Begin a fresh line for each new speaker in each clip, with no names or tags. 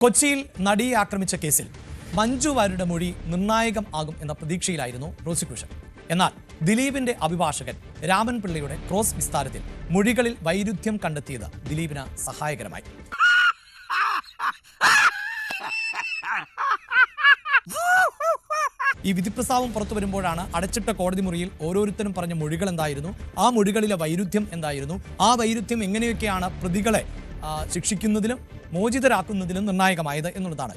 കൊച്ചിയിൽ നടിയെ ആക്രമിച്ച കേസിൽ മഞ്ജു വാര്യരുടെ മൊഴി നിർണായകം ആകും എന്ന പ്രതീക്ഷയിലായിരുന്നു പ്രോസിക്യൂഷൻ. എന്നാൽ ദിലീപിന്റെ അഭിഭാഷകൻ രാമൻ പിള്ളയുടെ ക്രോസ് വിസ്താരത്തിൽ മൊഴികളിൽ വൈരുദ്ധ്യം കണ്ടെത്തിയത് ദിലീപിന് സഹായകരമായി. ഈ വിധിപ്രസ്താവം പുറത്തു വരുമ്പോഴാണ് അടച്ചിട്ട കോടതി മുറിയിൽ ഓരോരുത്തരും പറഞ്ഞ മൊഴികൾ എന്തായിരുന്നു, ആ മൊഴികളിലെ വൈരുദ്ധ്യം എന്തായിരുന്നു, ആ വൈരുദ്ധ്യം എങ്ങനെയൊക്കെയാണ് പ്രതികളെ ശിക്ഷിക്കുന്നതിലും മോചിതരാക്കുന്നതിലും നിർണായകമായത് എന്നുള്ളതാണ്.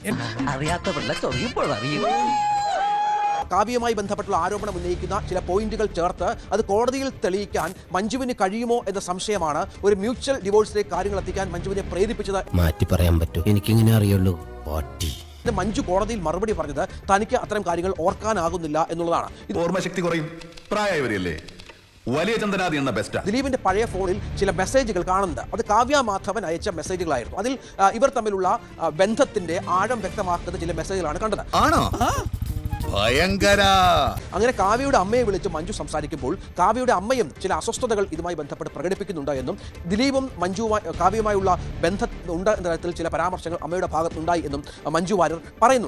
കാവ്യവുമായി ബന്ധപ്പെട്ടുള്ള ആരോപണം ഉന്നയിക്കുന്ന ചില പോയിന്റുകൾ ചേർത്ത് അത് കോടതിയിൽ തെളിയിക്കാൻ മഞ്ജുവിന് കഴിയുമോ എന്ന സംശയമാണ് ഒരു മ്യൂച്വൽ ഡിവോഴ്സിലേക്ക് കാര്യങ്ങൾ എത്തിക്കാൻ മഞ്ജുവിനെ പ്രേരിപ്പിച്ചത്.
മാറ്റി പറയാൻ പറ്റും, എനിക്കിങ്ങനെ അറിയുള്ളൂ.
മഞ്ജു കോടതിയിൽ മറുപടി പറഞ്ഞത് തനിക്ക് അത്തരം കാര്യങ്ങൾ ഓർക്കാനാകുന്നില്ല എന്നുള്ളതാണ്.
ഓർമ്മശക്തി കുറയും, പ്രായമായവരല്ലേ. വലിയ ചന്ദ്രനാഥി എന്ന ബെസ്റ്റ്.
ദിലീപിന്റെ പഴയ ഫോണിൽ ചില മെസ്സേജുകൾ കാണുന്നുണ്ട്. അത് കാവ്യ മാധവൻ അയച്ച മെസ്സേജുകളായിരുന്നു. അതിൽ ഇവർ തമ്മിലുള്ള ബന്ധത്തിന്റെ ആഴം വ്യക്തമാക്കുന്ന ചില മെസ്സേജുകളാണ് കണ്ടത്.
ഭയങ്കര.
അങ്ങനെ കാവ്യയുടെ അമ്മയെ വിളിച്ച് മഞ്ജു സംസാരിക്കുമ്പോൾ കാവ്യയുടെ അമ്മയും ചില അസ്വസ്ഥതകൾ ഇതുമായി ബന്ധപ്പെട്ട് പ്രകടിപ്പിക്കുന്നുണ്ട് എന്നും ദിലീപും കാവ്യയുമായുള്ള ബന്ധം ഉണ്ട് എന്ന തരത്തിൽ ചില പരാമർശങ്ങൾ അമ്മയുടെ ഭാഗത്തുണ്ടായി എന്നും മഞ്ജു വാര്യർ പറയുന്നു.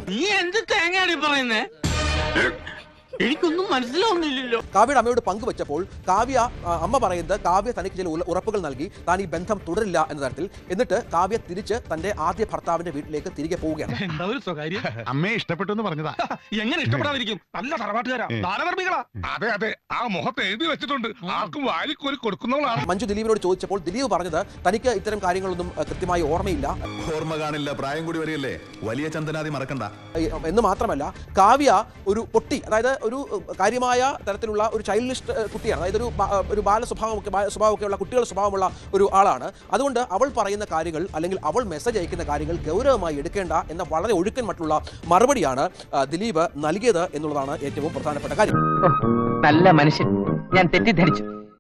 എനിക്കൊന്നും മനസ്സിലാവുന്നില്ലല്ലോ.
കാവ്യയുടെ അമ്മയോട് പങ്കുവച്ചപ്പോൾ അമ്മ പറയുന്നത് കാവ്യ തനിക്ക് ചില ഉറപ്പുകൾ നൽകി, താൻ ഈ ബന്ധം തുടരില്ല എന്ന തരത്തിൽ. എന്നിട്ട് കാവ്യ തിരിച്ച് തന്റെ ആദ്യ ഭർത്താവിന്റെ വീട്ടിലേക്ക് തിരികെ പോവുകയാണ്.
അമ്മയെ ഇഷ്ടപ്പെട്ടു എന്ന് പറഞ്ഞതാ.
എങ്ങനെ ഇഷ്ടപ്പെടാതിരിക്കും? നല്ല തറവാട്ടുകാരാ, ദാനധർമ്മികളാ.
അതെ അതെ, ആ മുഖത്ത് എഴുതി വെച്ചിട്ടുണ്ട്, ആർക്കും വാരിക്കോരി കൊടുക്കുന്നവളാണ്.
മഞ്ജു ദിലീപിനോട് ചോദിച്ചപ്പോൾ ദിലീപ് പറഞ്ഞത് തനിക്ക് ഇത്തരം കാര്യങ്ങളൊന്നും കൃത്യമായി ഓർമ്മയില്ല.
ഓർമ്മ കാണില്ല, പ്രായം കൂടി വരികയല്ലേ. വലിയ ചന്ദ്രനാഥി മറക്കണ്ട
എന്ന് മാത്രമല്ല, കാവ്യ ഒരു പൊട്ടി, അതായത് ഒരു കാര്യമായ തരത്തിലുള്ള ഒരു ചൈൽഡിഷ് കുട്ടിയാണ്. അതായത് ഒരു സ്വഭാവമൊക്കെയുള്ള കുട്ടികളുടെ സ്വഭാവമുള്ള ഒരു ആളാണ്. അതുകൊണ്ട് അവൾ പറയുന്ന കാര്യങ്ങൾ അല്ലെങ്കിൽ അവൾ മെസ്സേജ് അയക്കുന്ന കാര്യങ്ങൾ ഗൗരവമായി എടുക്കേണ്ട എന്ന വളരെ ഒഴുക്കൻ മറ്റുള്ള മറുപടിയാണ് ദിലീപ് നൽകിയത് എന്നുള്ളതാണ് ഏറ്റവും പ്രധാനപ്പെട്ട കാര്യം.
നല്ല മനുഷ്യൻ, ഞാൻ തെറ്റിദ്ധരിച്ചു.